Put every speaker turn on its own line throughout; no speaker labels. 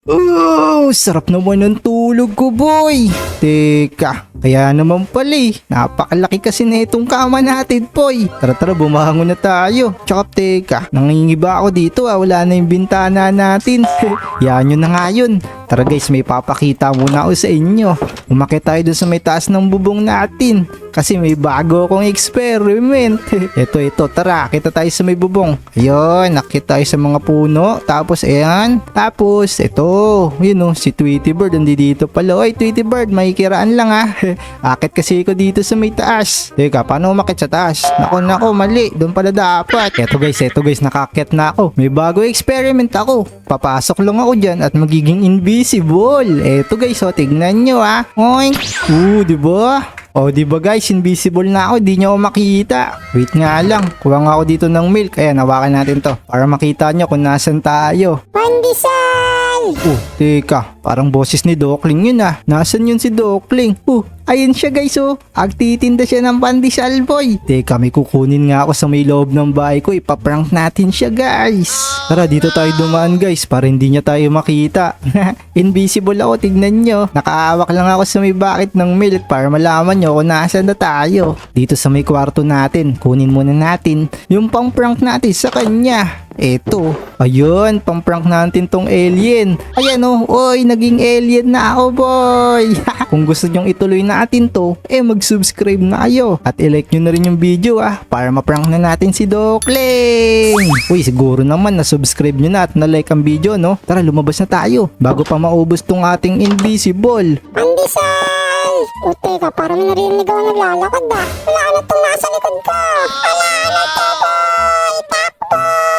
Oh, sarap naman ng tulog ko, boy. Teka, kaya naman pala napakalaki kasi na itong kama natin, boy. Tara, bumangon na tayo. Tsaka teka, nangingiba ako dito wala na yung bintana natin. Yan yun na nga yun. Tara guys, may papakita muna ako sa inyo. Umakyat tayo dun sa may taas ng bubong natin. Kasi may bago akong experiment. Ito, tara, kita tayo sa may bubong. Ayun, nakita tayo sa mga puno. Tapos, ayan. Tapos, ito. Yun si Tweety Bird. Nandito pala. Oy, Tweety Bird, may kiraan lang Akit kasi ko dito sa may taas. Teka, paano umakyat sa taas? Nako, mali. Doon pala dapat. Ito guys, nakakit na ako. May bago experiment ako. Papasok lang ako dyan at magiging invisible. Eto guys, tignan nyo Oink. Diba? Diba guys, invisible na ako, di nyo ako makita. Wait nga lang, kuha nga ako dito ng milk. Ayan, hawakan natin to para makita nyo kung nasan tayo.
Pandesal!
Teka, parang boses ni Dokling yun Nasan yun si Dokling? Ayun siya guys Agtitinda siya ng pandesal, boy. Teka, may kukunin nga ako sa may loob ng bahay ko. Ipaprank natin siya guys. Tara, dito tayo dumaan guys para hindi niya tayo makita. Invisible ako, tignan nyo. Nakaawak lang ako sa may bucket ng milk para malaman nyo kung nasaan na tayo. Dito sa may kwarto natin, kunin muna natin yung pang-prank natin sa kanya. Eto, ayun, pang-prank natin tong alien. Ayan oy, naging alien na ako, boy. Kung gusto nyong ituloy natin to, mag-subscribe na kayo. At i-like nyo na rin yung video para ma-prank na natin si Dokling. Uy, siguro naman na-subscribe nyo na at na-like ang video, no? Tara, lumabas na tayo bago pa maubos tong ating invisible.
Pandesal! Teka, parang may narinig ako naglalakad Wala na itong nasa likod ko. Wala na to, boy! Takbo!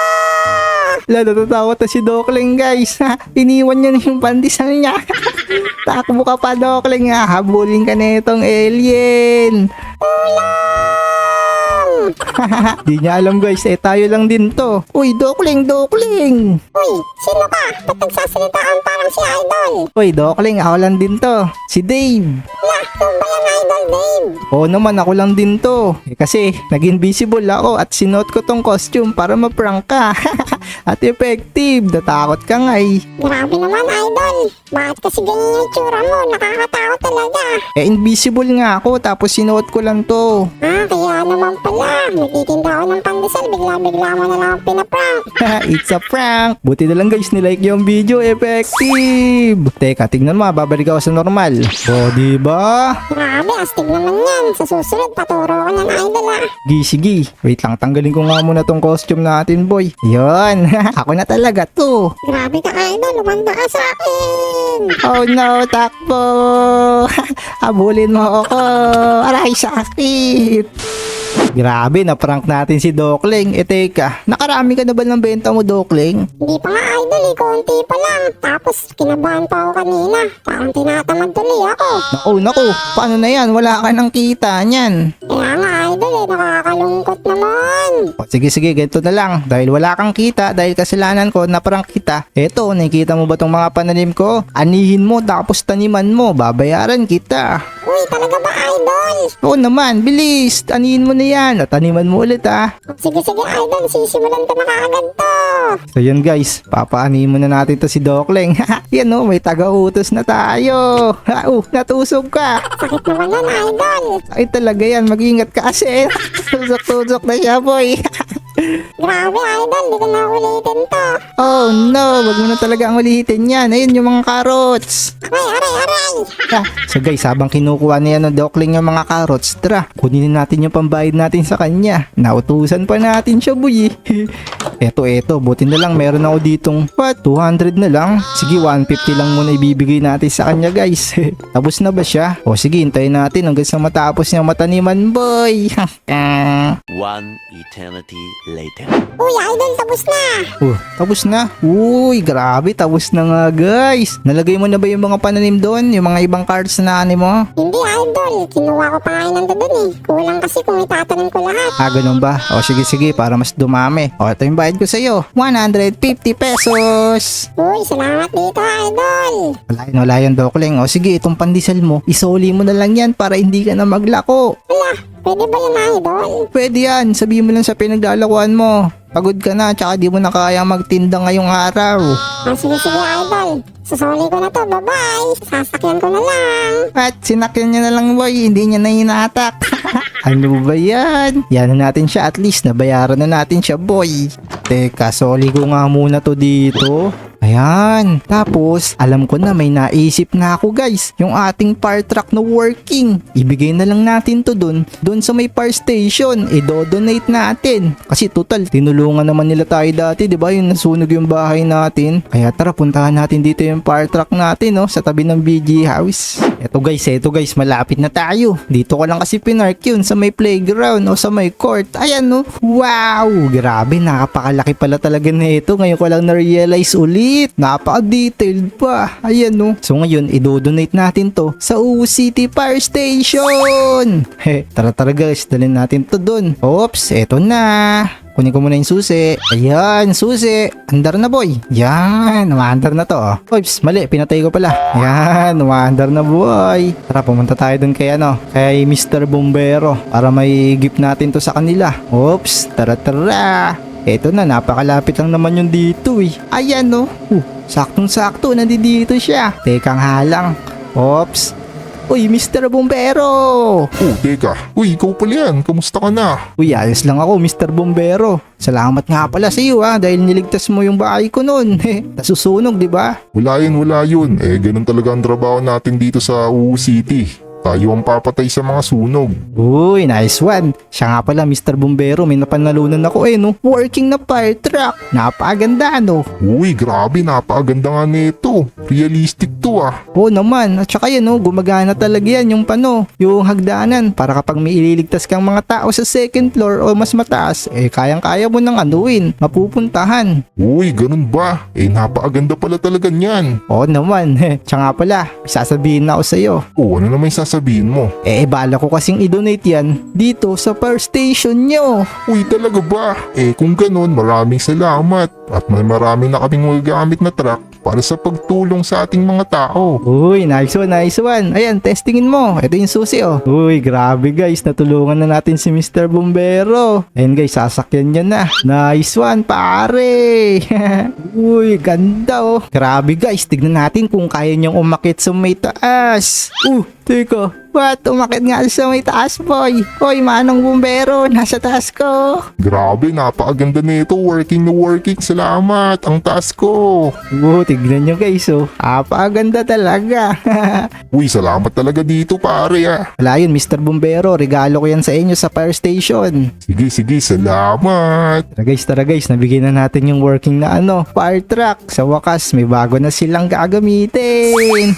Natatawa ta si Dokling guys. Iniwan niya na yung pandesal niya. Takbo ka pa, Dokling habulin ka na itong alien. Di niya alam guys, tayo lang din to. Uy, Dokling.
Uy, sino ka? Ba't nagsasalita kang parang si Idol?
Uy, Dokling, ako lang din to. Si Dave.
Yung ba yan, Idol Dave?
Oo naman, ako lang din to. Kasi nag-invisible ako at sinuot ko tong costume para ma-prank ka. At effective, natakot ka nga
Grabe naman, Idol. Bakit kasi ganyan yung itsura mo? Nakakatakot talaga.
Invisible nga ako tapos sinuot ko lang to.
Kaya naman pala. Nagtitinda ako ng pandesal. Bigla-bigla mo na lang ang pinaprank.
It's a prank. Buti na lang guys, nilike yung video. Effective. Teka, tignan mo, babalik ako sa normal. Diba?
Grabe, astig naman yan. Sa susunod, paturo ko niyan, Idol
Sige. Wait lang, tanggalin ko nga muna tong costume natin, boy. Yun. Ako na talaga to.
Grabe ka, Idol. Lumanda ka sa akin.
Oh no, takbo. Habulin mo ako. Aray, sakit. Grabe, na-prank natin si Dokling. Teka, nakarami ka na ba ng benta mo, Dokling?
Hindi pa nga, Idol konti pa lang. Tapos, kinabahan pa ako kanina. Parang tinatamad tuloy ako.
Naku, paano na yan? Wala ka ng kita niyan.
Kaya nga, Idol nakakalungkot naman.
Sige, ganito na lang. Dahil wala kang kita, dahil kasalanan ko, na-prank kita. Eto, nakikita mo ba tong mga pananim ko? Anihin mo, tapos taniman mo. Babayaran kita.
Uy, talaga ba, Idol?
Oo naman, bilis. Anihin mo na yan. At taniman mo ulit
Sige, Idol. Sisimulan ko na kaagad to.
So yun guys, papaanihin muna natin to si Dokling. Yan may taga-utos na tayo. Natusog ka.
Sakit naman yan, Idol.
Ay talaga yan, mag-ingat ka kasi. Tusok-tusok na siya, boy.
Grabe, Idol. Di ko na ulitin to.
Oh no, wag mo na talaga ang ulitin yan. Ayun yung mga carrots.
Aray.
So guys, habang kinukuha niya ng Dokling yung mga carrots, tara, kunin natin yung pambayad natin sa kanya. Nautusan pa natin siya, boy. Eto, buti na lang meron ako ditong 200 na lang. Sige, 150 lang muna ibibigay natin sa kanya, guys. Tapos na ba siya? Sige, hintayin natin hanggang sa matapos niya mataniman, boy.
One eternity later.
Uy, Idol, tapos na.
Tapos na? Uy, grabe, tapos na nga, guys. Nalagay mo na ba yung mga pananim doon? Yung mga ibang cards na ani mo?
Hindi, Idol. Kinuha ko pa nga yun nandun Kulang kasi kung itatanim ko lahat.
Ganun ba? Sige, para mas dumami. Ito yung bayad ko sa'yo. 150 pesos.
Uy, salamat dito, Idol.
Wala yun, Dokling. Sige, itong pandesal mo, isoli mo na lang yan para hindi ka na maglako.
Wala, Pwede ba yun, idol?
Pwede yan, sabihin mo lang sa pinagdalakuan mo. Pagod ka na, tsaka di mo na kaya magtinda ngayong araw.
Sige, idol. Susuli ko na to, bye-bye. Sasakyan ko na lang.
At sinakyan niya na lang boy, hindi niya na hinatak. Ano ba yan? Yan na natin siya, at least nabayaran na natin siya boy. Teka, soli ko nga muna to dito. Ayan. Tapos, alam ko na may naisip na ako guys. Yung ating fire truck na working. Ibigay na lang natin to dun sa may fire station. I-donate natin. Kasi total, tinulungan naman nila tayo dati, di ba? Yung nasunog yung bahay natin. Kaya tara, puntahan natin dito yung fire truck natin, no? Sa tabi ng BG house. Eto guys, malapit na tayo. Dito ko lang kasi pinark yun sa may playground o sa may court. Ayan, no? Wow! Grabe, nakapakalaki pala talaga na ito. Ngayon ko lang na-realize ulit. Napaka-detailed pa. Ayan, no? So ngayon, i-donate natin to sa UU City Fire Station. Tara guys, dalhin natin to dun. Oops, eto na. Kunin ko muna yung susi. Ayan, susi. Andar na boy. Yan, umaandar na to. Oops, mali. Pinatay ko pala. Yan, umaandar na boy. Tara, pumunta tayo dun kay kay Mr. Bombero para may gift natin to sa kanila. Oops, tara. Eto na, napakalapit lang naman yung dito eh. Ayan no. Saktong-sakto, nandito siya. Teka nga lang. Oops. Uy, Mr. Bombero!
Oh, teka. Uy, ikaw pala yan. Kamusta ka na?
Uy, ayos lang ako, Mr. Bombero. Salamat nga pala sa iyo dahil niligtas mo yung bahay ko noon. Nasusunog, di ba?
Wala yun. Ganun talaga ang trabaho natin dito sa UU City. Tayo ang papatay sa mga sunog.
Uy, nice one. Siya nga pala, Mr. Bombero, may napanalunan ako no? Working na fire truck. Napakaganda, no?
Uy, grabe. Napakaganda nga nito. Realistic to ah.
Oo naman. At saka yan, no? Gumagana talaga yan yung hagdanan. Para kapag may ililigtas kang mga tao sa second floor o mas mataas, kayang-kaya mo nang mapupuntahan.
Uy, ganun ba? Napakaganda pala talaga niyan.
Oo naman. Siya nga pala, sasabihin na ako sa'yo.
Oh, ano naman sasabihin mo?
Bala ko kasing i-donate yan dito sa fire station nyo.
Uy, talaga ba? Kung ganun, maraming salamat. At may marami na kaming magagamit na truck para sa pagtulong sa ating mga tao.
Uy, nice one. Ayan, testingin mo. Ito yung susi, oh. Uy, grabe guys. Natulungan na natin si Mr. Bombero. Ayan guys, sasakyan niya na. Nice one, pare. Uy, ganda, oh. Grabe guys, tignan natin kung kaya niyang umakit sa may taas. Teka. What? Umakit nga sa may taas, boy. Hoy, manong bumbero, nasa taas ko.
Grabe, napakaganda nito. Working na working. Salamat. Ang taas ko.
Tignan nyo guys, oh. Napakaganda talaga.
Uy, salamat talaga dito, pare ah.
Wala yun, Mr. Bombero. Regalo ko yan sa inyo sa fire station.
Sige, salamat.
Tara guys, nabigyan na natin yung working na fire truck. Sa wakas, may bago na silang gagamitin.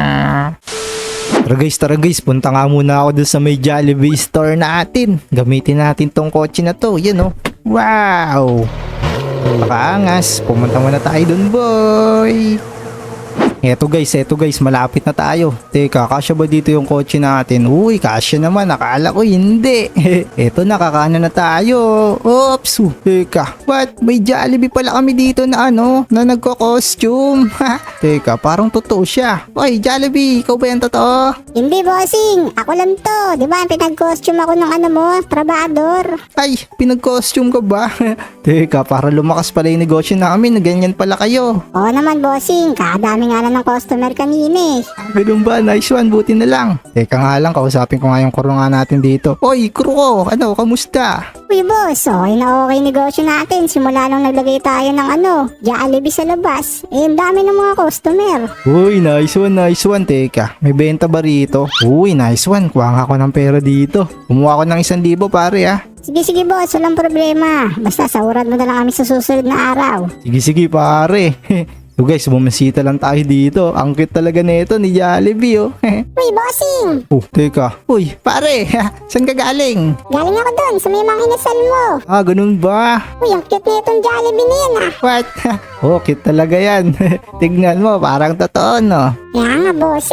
Tara guys, punta nga muna ako dun sa may Jollibee store natin. Gamitin natin tong kotse na to. Yan oh. Wow! Pakaangas. Pumunta muna tayo dun, boy. Eto guys, malapit na tayo. Teka, kasya ba dito yung kotse natin? Uy, kasya naman. Akala ko hindi. Eto, nakakanan na tayo. Oops. Teka, what? May Jollibee pala kami dito na na nagko-costume. Teka, parang totoo siya. Oy, Jollibee, ikaw ba yan totoo?
Hindi, bossing. Ako lang to. Di ba, pinag-costume ako ng trabador.
Ay, pinag-costume ka ba? Teka, para lumakas pala yung negosyo namin na ganyan pala kayo.
Oo naman, bossing. Kadami nga lang ng customer kanina
Ganun ba? Nice one, buti na lang. Teka nga lang, kausapin ko nga yung crew nga natin dito. Oy, crew ko, kamusta?
Uy, boss, okay na okay negosyo natin. Simula nung naglagay tayo ng Jollibee sa labas. Ang dami ng mga customer.
Uy, nice one. Teka, may benta ba rito? Uy, nice one. Kuha nga ako ng pera dito. Kumuha ko ng 1,000 pare
Sige, boss, walang problema. Basta sahuran mo na lang kami sa susunod na araw.
Sige pare. So guys, bumisita lang tayo dito. Ang cute talaga nito ni Jollibee
Uy, bossing!
Teka. Uy, pare, saan ka galing?
Galing ako dun sa may mga inasal mo.
Ganun ba?
Uy, ang cute na itong Jollibee na yan
What? Cute talaga yan. Tignan mo, parang totoo, no?
Kaya nga, bossing.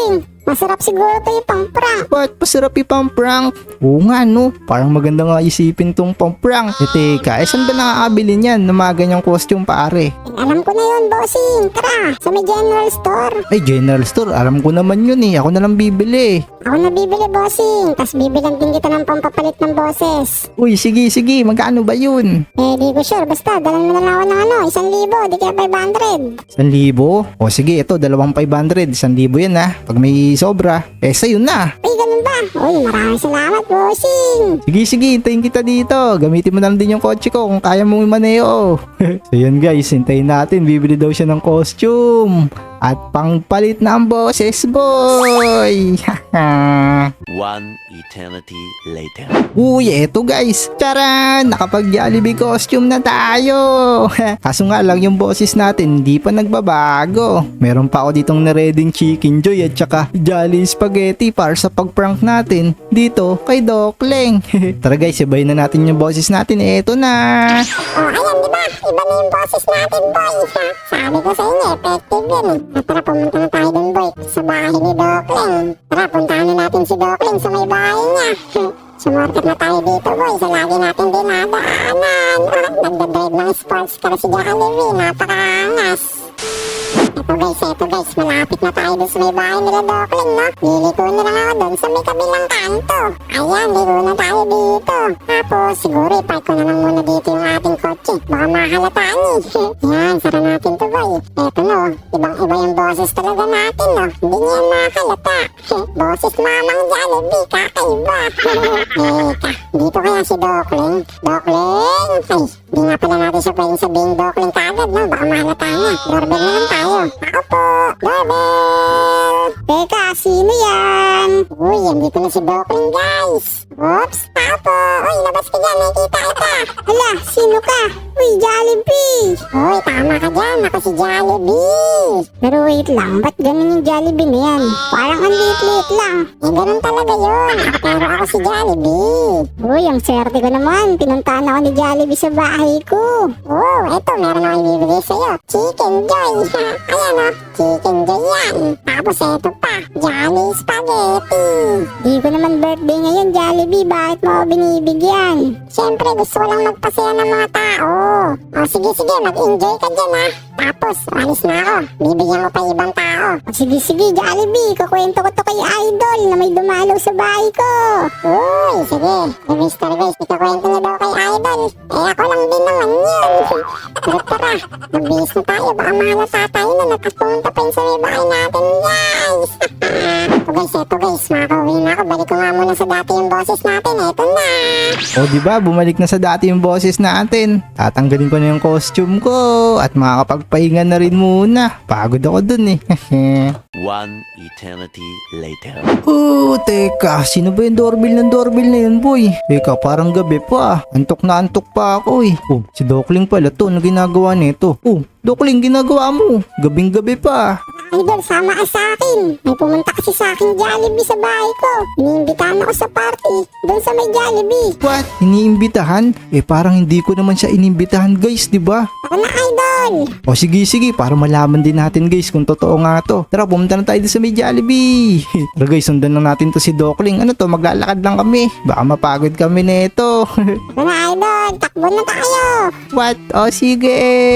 Masarap siguro to yung pang-prank.
Ba't pasarap ipang-prank? Oo nga no, parang maganda nga isipin tong pang-prank. Teka, saan ba nakakabili niyan ng mga ganyang costume pare?
Alam ko na yun, bossing. Tara, sa may general store.
Ay, general store, alam ko naman yun ako na lang bibili.
Ako na bibili, bossing. Tas bibilan din kita ng pampapalit ng boses.
Uy, sige, magkano ba yun?
Di ko sure. Basta, dalan mo na lang ako ng 1,000, di kaya 500.
1,000? O sige, ito, 2,500. 1,000 yan Pag may sobra, sa'yo na.
Ay, ganun ba? Uy, maraming salamat, bossing.
Sige, hintayin kita dito. Gamitin mo na lang din yung kotse ko kung kaya mong imaneo. So yun guys, hintayin natin. Bibili daw siya ng costume. At pangpalit na ang boses, boy!
One eternity later.
Uy, eto guys. Charan! Nakapag-Jollibee costume na tayo. Kaso nga lang yung boses natin hindi pa nagbabago. Meron pa ako ditong nareding Chicken Joy at saka Jolly Spaghetti para sa pag-prank natin dito kay Dokling. Tara guys, sabayin na natin yung boses natin. Eto na!
Ayan, di ba? Iba na yung boses natin, boy. Sabi ko sa inyo, effective yun. Tara, pumunta na tayo dun, boy. Sa bahay ni Dokling. Tara, puntahan na natin si Dokling sa may bahay niya. Sumorkat na tayo dito, boy. Sa lagi natin dinadaanan. Nagdadrive ng sports car si Jollibee. Napakaangas. Eto guys, malapit na tayo dun sa may bahay nila Dokling, no? Liliko na lang ako dun sa may kabilang kanto. Ayan, liko na tayo dito. Tapos, siguro ipark ko na lang muna dito yung ating kotse. Baka makahalataan Yan, sara natin to, boy. Eto no, ibang-iba yung boses talaga natin, no? Hindi niya yan makahalata. Boses mamang Jollibee, kakaiba. Teka, dito kaya si Dokling? Dokling? Ay, di nga pala natin siya pwedeng sabihin Dokling kagad, no? Baka mahalata niya. Doorbell na lang tayo. Ako po, doorbell! Teka, sino yan? Uy, andito na si Dokling, guys. Oops, ako po. Uy, labas ka dyan, nakikita kita. Hala, sino ka? Uy, Jollibee! Uy, tama ka dyan, ako si Jollibee. Pero wait lang, ba't ganun yung Jollibee na yan? Parang ang liit-liit lang. Ganun talaga yun. Pero ako si Jollibee. Uy, ang swerte ko naman. Pinuntahan ako ni Jollibee sa bahay ko. Oh, eto, meron ako ibibigay sa'yo. Chicken Joy. Ayan o, Chicken Joy yan. Tapos eto pa, Jolly Spaghetti. Di ko naman birthday ngayon, Jollibee. Bakit mo ako binibigyan? Siyempre, gusto ko lang magpasaya ng mga tao. O sige, mag-enjoy ka dyan ha. Tapos, alis na ako. Bibigyan ko pa ibang tao. O sige, Jollibee. Kukwento ko to kay Idol na may dumalaw sa bahay ko. Uy, sige. Mr. Guys, ikakwento na daw kay Idol. Ako lang din naman yun. Tara, nagbihis na tayo. Baka mahalata tayo na nakapunta pa yun sa may bahay natin, guys. Eto guys, makakauwi na ako. Balik ko nga muna sa dati yung boses natin. Eto na.
O diba, bumalik na sa dati yung boses natin. Tatanggalin ko na yung costume ko at makakapagpahinga na rin muna. Pagod ako dun
One eternity later.
Oh, teka, sino ba yung doorbell na yun, boy? Teka, parang gabi pa. Antok na antok pa ako Oh, si Dokling pala to, ano ginagawa nito? Oh, Dokling, ginagawa mo. Gabing-gabi pa.
Idol, sama ka sa akin. May pumunta kasi sa akin Jollibee sa bahay ko. Iniimbitahan ako sa party doon sa may Jollibee.
What? Iniimbitahan? Parang hindi ko naman siya inimbitahan, guys, di ba?
Tara na, Idol.
O sige, para malaman din natin, guys, kung totoo nga to. Tara, pumunta na tayo doon sa may Jollibee. Tara, guys, sundan na natin to si Dokling. Ano to, maglalakad lang kami. Baka mapagod kami nito.
Tara na, Idol. Takbo na tayo.
What? O sige.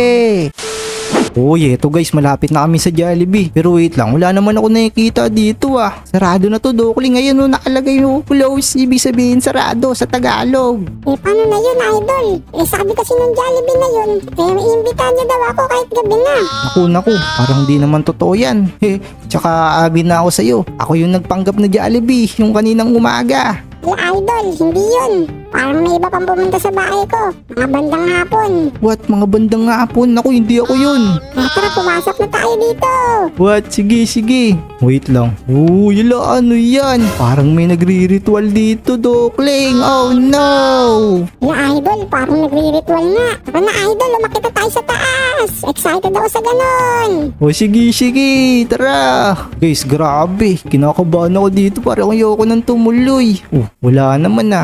Uy, eto guys, malapit na kami sa Jollibee. Pero wait lang, wala naman ako nakikita dito Sarado na to, Dokling. Ngayon nakalagay yung close. Ibig sabihin sarado sa Tagalog.
Paano na yun, Idol? Sabi kasi nung Jollibee na yun, iimbitahan niya daw ako kahit gabi na.
Naku, parang di naman totoo yan. Tsaka abi na ako sa'yo. Ako yung nagpanggap na Jollibee yung kaninang umaga.
Idol, hindi yun. Parang may iba pang pumunta sa bahay ko. Mga bandang hapon.
What? Mga bandang hapon? Naku, hindi ako yun.
Tara, pumasok na tayo dito.
What? Sige. Wait lang. Yala, ano yan? Parang may nagri-ritual dito, Dokling. Oh no!
Idol, parang nagri-ritual nga. Tara na, Idol, lumakit na tayo sa taas. Excited ako sa ganon.
O sige, tara. Guys, grabe. Kinakabahan ako dito. Parang ayoko nang tumuloy. Wala naman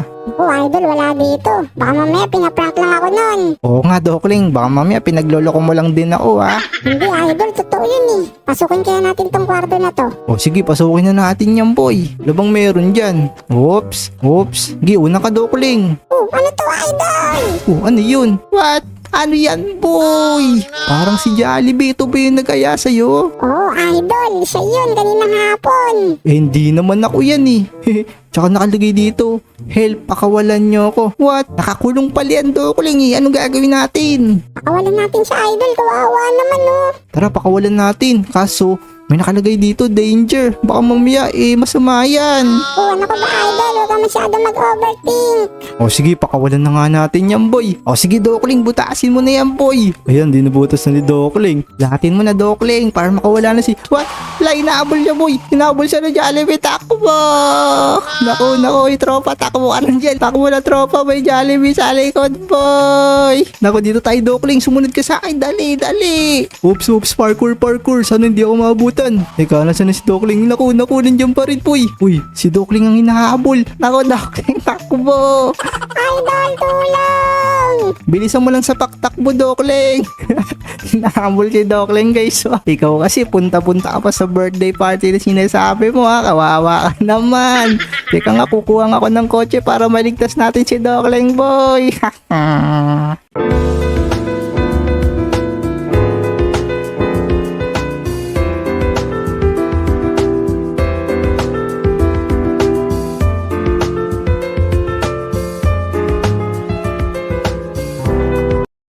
idol, wala dito. Baka mamaya pinaprank lang ako nun.
Oo nga, Dokling. Baka mamaya pinagloloko mo lang din ako, ha?
Hindi idol, totoo yun eh. Pasukin kaya natin tong kwarto na to.
O sige, pasukin na natin yan, boy. Labang meron dyan. Oops. Sige, una ka, Dokling.
Oh, ano to idol?
Oh, ano yun? What? Ano yan, boy? Parang si Jollibee. Ito ba yung nag-aya sa'yo?
Oh, idol, siya yun kaninang hapon.
Eh, hindi naman ako yan eh. Tsaka nakalagay dito, help, pakawalan nyo ako. What? Nakakulong pala yan, Dokling eh. Anong gagawin natin?
Pakawalan natin siya idol, kawawa naman oh.
Tara, pakawalan natin. Kaso, may nakalagay dito, danger. Baka mamaya, masama yan.
Oh, ano ka ba idol? Huwag ka masyado mag-overthink.
O sige, pakawalan na nga natin yan, boy. O sige, Dokling, butasin mo na yan, boy. Ayan, dinubutas na ni Dokling. Lahatin mo na, Dokling, para makawala na si... What? Wala, inaabol siya, boy. Inaabol siya na Jollibee. Takbo! Naku, tropa. Takbo ka lang dyan. Takbo na, tropa. May Jollibee sa likod, boy. Naku, dito tayo, Dokling. Sumunod ka sa akin. Dali. Oops. Parkour. Sana hindi ako maabutan. Teka, nasa na si Dokling? Naku, nandiyan pa rin, boy. Uy, si Dokling ang hinahabol. Naku, Dokling, takbo.
Idol, tulong!
Bilisan mo lang sa takbo, Dokling. Hinahabol si Dokling, guys. Ikaw kasi, punta-punta ka pa sa birthday party na sinasabi mo, ha. Kawawa ka naman. Teka nga, kukuha nga ako ng kotse para maligtas natin si Dokling, boy.